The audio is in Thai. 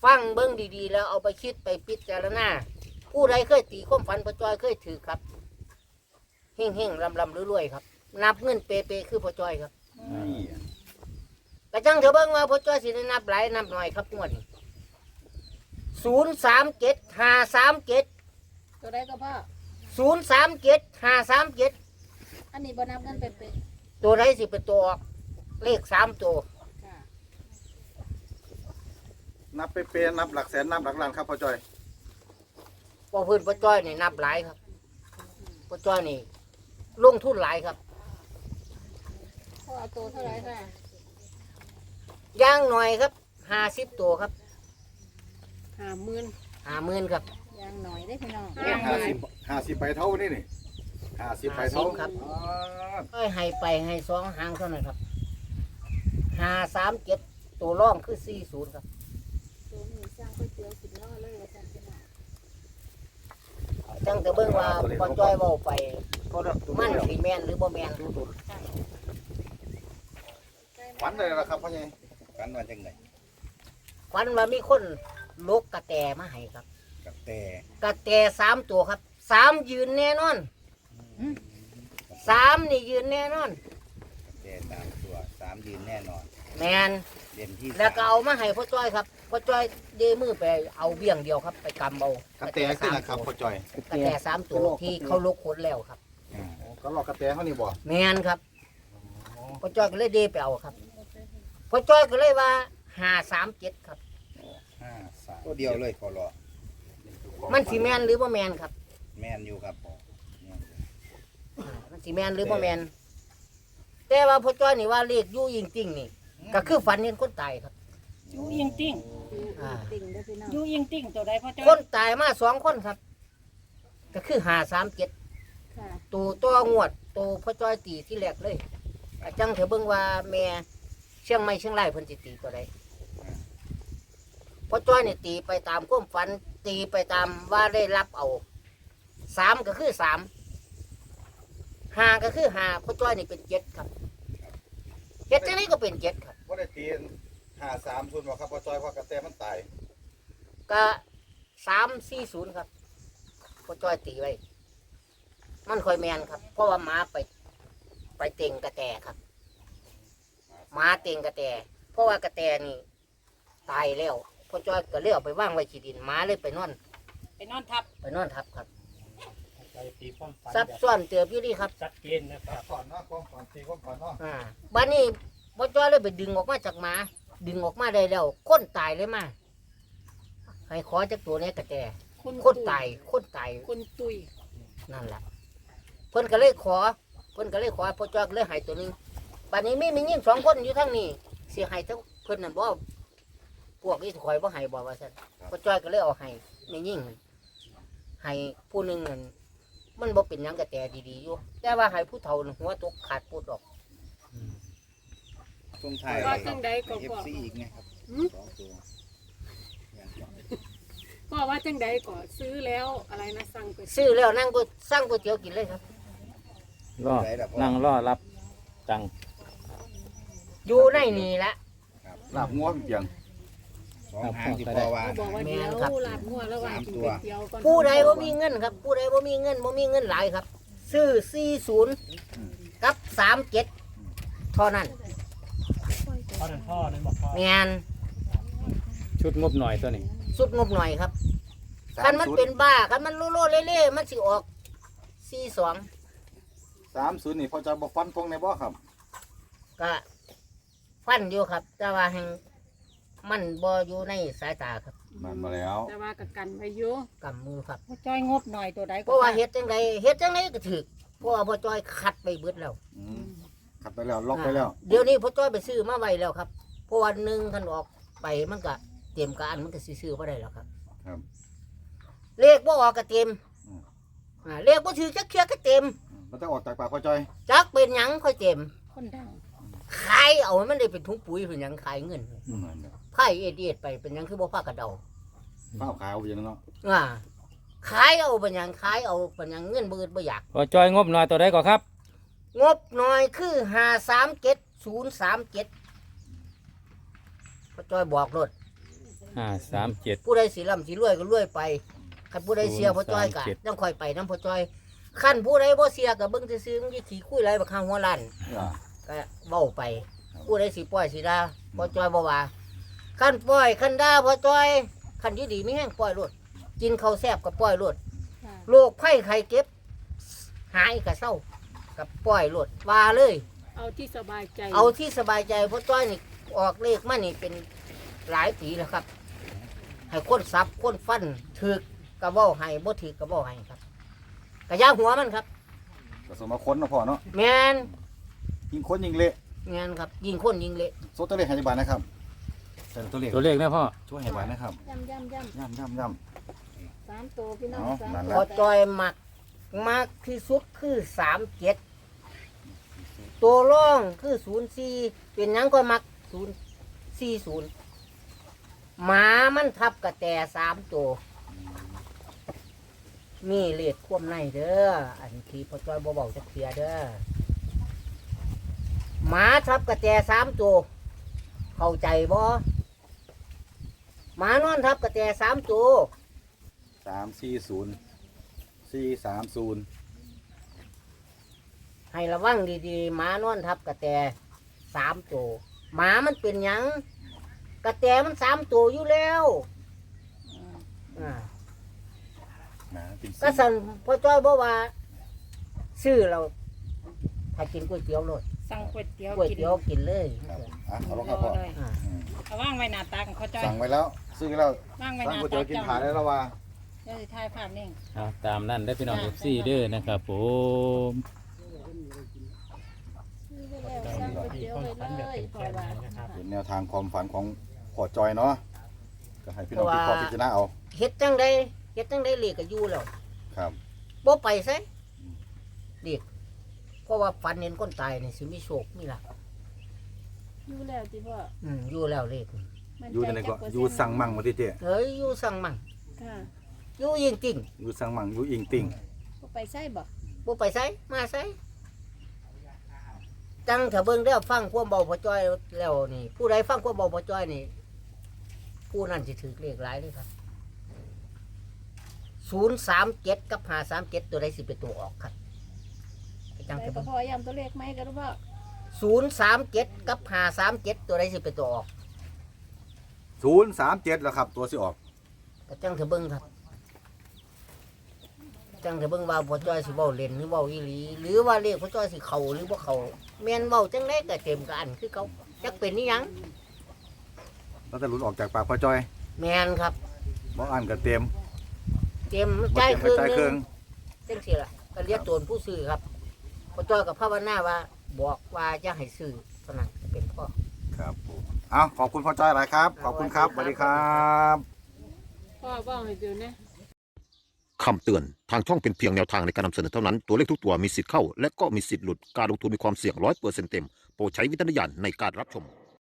ฟังเบิ้งดีๆแล้วเอาไปคิดไปพิจารณาผู้ใดเคยตีความฝันพ่อจ้อยเคยถือครับเฮ่งๆลำรวยๆครับนับเงินเปๆคือพ่อจ้อยครับกระจังเถอะเบิ้งว่าพ่อจ้อยสิได้นับหลายนับหน่อยครับงวดนี้037-537 ตัวใดก็พ่อ 037-537 อันนี้บ่นับเงินเป๊ะตัวไหนสิเป็นตัวออกเลข3 ตัวๆค่ะนับเป๊ะๆนับหลักแสนนับหลักล้านครับพ่อจอยพอพื้นพ่อจ้อยนี่นับหลายครับพ่อจ้อยนี่ลงทุนหลายครับพ่อเอาตัวเท่าไหร่ค่ะย่างหน่อยครับ50 ตัวครับ 50,000 50,000ครับอย่างหน่อยได้พี่น้อง 50ใบเท่านี่นี่50ใบเท่า 50ครับ ก็ให้ไปให้2 หางเท่านั้นครับ537ตัวร่องคือ40ครับตัวนี้สร้างก๋วยเตี๋ยวสิบล้อเลยว่าซั่นพี่น้องจังแต่เบิ่งว่าพ่อจ้อยเว้าไปก็ได้มันสิแม่นหรือบ่แม่นฝันเลยละครับพ่อใหญ่ฝันว่าจังไงฝันว่ามีคนลกกระแตมาให้ครับกับแต่กระแต3 ตัวครับ3ยืนแน่นอน3นี่ยืนแน่นอนแต่สามตัวสามยืนแน่นอนแม่นเด่นที่แล้วก็เอามาให้พ่อจ้อยครับพ่อจ้อยเดมือไปเอาเบี้ยงเดียวครับ ไปกำเอากระแตขึ้นนะครับพ่อจอยกระแต3 ตัวที่เขาลกขนแล้วครับก็รอกระแตเขานี่บ่แม่นครับพ่อจ้อยก็เลยเดไปเอาครับพ่อจ้อยก็เลยว่า537ครับ 5-3ตัวเดียวเลยขอรอมันสิแม่นหรือบ่แม่นครับแม่นอยู่ครับแม่นอยู่มันสิแม่นหรือบ่แม่นแต่ว่าพ่อจ้อยนี่ว่าเลขอยู่จริงๆนี่ก็คือฝันเห็นคนตายครับยูยิงติ้งอ่าติ่งเด้อพี่น้องยูยิงติ้งตัวใดพ่อจ้อคนยตายมา2 คนครับ ก็คือ537 ค่ะตัวตัวงวดตัวพ่อจ้อยตีที่แรกเลยอาจังเถอะเบิ่งว่าแม่เชียงใหม่เชียงรายเพิ่นสิตีตัวใดพ่อจ้อยนี่ตีไปตามความฝันตีไปตามว่าได้รับเอา3ก็คือ3 5ก็คือ5พ่อจ้อยนี่เป็น7ครับ7จังได๋ก็เป็น7ครับว่าได้ตี53ทุนบ่ครับพ่อจอยเพราะกระแตมันตายก็340ครับพ่อจ้อยตีไว้ มันค่อยแมนครับ เพราะว่าหมาไปเต็งกระแตครับหมาเต็งกระแตเพราะว่ากระแตนี่ตายแล้วพ่อจ้อยก็เลยเอาไปว่างไว้ขี้ดินหมาเลยไปนอนไปนอนทับทับครับไปตีความฝันซับซ้อนเตือบอยู่ดีครับชัดเจนนะครับก่อนเนาะความฝันตีความฝันเนาะบ้านนี้พ่อจ้อยเลยไปดึงออกมาจากหมาดึงออกมาได้แล้วคนตายเลยมาให้ขอจากตัวนี้กระแตคนตายคนตุยนั่นแหละเพิ่นก็เลยขอพ่อจ้อยก็เลยให้ตัวหนึงบัดนี้มียิ่ง2 คนอยู่ทั้งนี้สิให้ทั้งเพิ่นนั่นบ่พวกนี้ถอยบ่ให้บ่ว่าซั่นพ่อจ้อยก็เลยเอาให้มียิ่งให้ผู้หนึงนั่นมันบ่เป็นหยังก็แต่ดีๆอยู่แต่ว่าให้ผู้เฒ่านั่นหัวตกขาดพูดออกช่วงท้ายว่าจังใดก็เอฟพ่อซีอีกไงครับ2ตัวอย่างก่อนพ่อว่าจังใดก็ซื้อแล้วอะไรนะสั่งไปซื้อแล้วนั่งก็สั่งก๋วยเตี๋ยวกินเลยครับรอนั่งรอรับตังค์อยู่ในนี่ละลาบงัวเพียง 2 หางที่พ่อว่าเขาบอกว่าเดี๋ยวลาบงัวแล้วว่ากินก๋วยเตี๋ยวก่อนผู้ใดบ่มีเงินครับ ผู้ใดบ่มีเงินหลายครับ ซื้อ40กับ37เท่านั้นพ่อนั่นพ่อนั่นบอกพ่อแม่นชุดงบหน่อยตัวนี้สุดงบหน่อยครับคันมันเป็นบ้าคันมันโลเล่ๆมันสิออก42 30นี่พ่อจอยบ่ฟันธงในบ่ครับก็ฟันอยู่ครับ แต่ว่าแห่งมันบ่อยู่ในสายตาครับนั่นมาแล้วแต่ว่ากับกันไปอยู่กำมือครับพ่อจ้อยงบหน่อยตัวใดเพราะว่าเฮ็ดจังไดก็ถึกเพราะว่าพ่อจ้อยคัดไปเบิดแล้วขัดไปแล้วล็อกไปแล้วเดี๋ยวนี้พ่อจ้อยไปซื้อมาไว้แล้วครับเพราะวันหนึ่งท่านออกไปมันก็เตรียมการมันก็สิซื้อบ่ได้แล้วครับครับเลขบ่ออกก็เต็มเลขบ่ถือจักเทื่อก็เต็มมันจะออกจากปากพ่อจอยจักเป็นหยังค่อยเต็มคนดังขายเอามันได้เป็นถุงปุ๋ยเป็นหยังขายเงินไผ่เอ็ดไปเป็นหยังคือบ่พากระเดาข้าวขาวอย่างนั้นเนาะขายเอาเป็นหยังขายเอาเป็นหยังเงินบ่อึดบ่อยากพ่อจ้อยงบหน่อยตัวใดก็ครับงบหน่อยคือ537 037พ่อจ้อยบอกรถ 537 ผู้ใดสิร่ำสิรวยก็รวยไปคันผู้ใดเสียพ่อจ้อยก็ 037 ต้องคอยไปน้ำพ่อจ้อยคันผู้ใดบ่เสียก็เบิ่งซื่อๆมันสิขี้คุยไรบักข้างหัวล้านอ่าก็เว้าไป ผู้ใดสิปล่อยสิด่าพ่อจ้อยบ่ว่าคันปล่อยคันด่าพ่อจ้อยคันอยู่ดีมีแห้งปล่อยโลดกินข้าวแซ่บก็ปล่อยโลดค่ะโรคภัยไข้เจ็บหายก็เศร้าก็ปล่อยโลดว่าเลยเอาที่สบายใจเอาที่สบายใจพ่อจ้อยนี่ออกเลขมานี่เป็นหลายปีแล้วครับ ให้คนซับคนฟันถึกกระเบ้าให้บ่ถึกกระเบ้าให้ครับกระยาหัวมันครับผสมมาค้นเนาะพ่อเนาะแมนยิงค้นยิงเละแมนครับ ยิงคนยิงเละโซตัวเลขให้บาทนะครับแต่ตัวเลขตัวเลขนะพ่อช่วยให้บาทนะครับย่ำย่ำ 3ตัวพี่น้องเอาสามนั่นแหพละอจอยมากที่สุดคือ37ตัวร่องคือ04เป็นหยังก็มัก040หมามันทับกระแต3ตัวมีเลขควมในเด้ออันที่พอจอยบ่เบาจักเทียเด้อหมาทับกระแต3ตัวเข้าใจบ่หมานอนทับกระแต3ตัว 340 430 ให้ระวังดีๆหมานอนทับกระแต3ตัวหมามันเป็นหยังกระแตมัน3ตัวอยู่แล้วอ่านะเป็นก็สั่นพ่อจ้อยบอกว่าซื้อเราถ้ากินก๋วยเตี๋ยวโลดสั่งก๋วยเตี๋ยวก๋วยกินเตี๋ยวกินเลยครับอ่ะเอาลงครับพ่อเลยอ่าอืมเอาว่างไว้หน้าตาของเขาจ้อยสั่งไว้แล้วซื้อแล้วว่างไว้สั่หงน้าก๋วยตาเตี๋ยวกินเจ้าผ่านได้แล้วว่าเดี๋ยวสิถ่ายภาพนิ่งเอาตามนั่นได้อพี่น้อง FC เด้อนะครับผมซื้อไปแล้วสั่งก๋วยเตี๋ยวไปเลยปล่อยว่าเป็นแนวทางความฝันของพ่อจอยเนาะก็ให้พี่น้องพี่พ่อพิจารณาเอาเฮ็ดจังไดเฮ็ดจังไดเลีกก็อยู่แล้วครับบ่ไปไสเลีกเพราะว่าฝันเห็นคนตายนี่สิมีโชคมีลาภอยู่แล้วจิพ่ออยู่แล้วเลขนี่มั่อยู่ในไหนก็จัอยู่สั่งมั่งมาที่เจ๊เฮ้ยอยู่สั่งมั่งค่ะอยู่ยิงจริงอยู่สั่งมั่งอยู่อิงติ่งบ่ไปใส่บ่บ่ไปไสมาไสจังถ้าเบิ่งแล้วฟังความเบาพ่อจ้อยแล้วนี่ผู้ใดฟังความเบาพ่อจ้อยนี่ผู้นั้นสิถือเลขหลายเลยครับ037กับ537ตัวใดสิเป็นตัวออกครับไปจังไปถ้าก็เบิ่งพอย้ำตัวเลขไหมกันรู้บ่ 037กับ537ตัวใดสิเป็นตัวออก 037แล้วครับตัวสิออกก็จังเถอะเบิ่งครับจังเถอะเบิ่งว่าพ่อจ้อยสิเว้าเล่นหรือเว้าอีหลีหรือว่าเลขพ่อจ้อยสิเข้าหรือบ่เข้าแม่นเว้าจังไดก็เต็มกับอันคือเขาจักเป็นอีหยังแล้วแต่หลุดออกจากปากพ่อจอยแม่นครับบ่อ่านก็เต็มเต็มบ่ใจเต็มคก็รึ่งใจหเครื่นึองงจังซี่ล่ะก็เรียกโจรผู้ซื้อครับพ่อจ้อยกับภาวนาว่าบอกว่าอย่าให้ซื้อเท่านั้นเป็นพ่อครับผมเอาขอบคุณพ่อจอยหลายครับ ขอบคุณครับสวัสดีครับพ่อว่าให้เดี๋ยวนะคำเตือน ทางช่องเป็นเพียงแนวทางในการนำเสนอเท่านั้น ตัวเลขทุกตัวมีสิทธิ์เข้า และก็มีสิทธิ์หลุด การลงทุนมีความเสี่ยง100%เต็ม โปรดใช้วิจารณญาณในการรับชม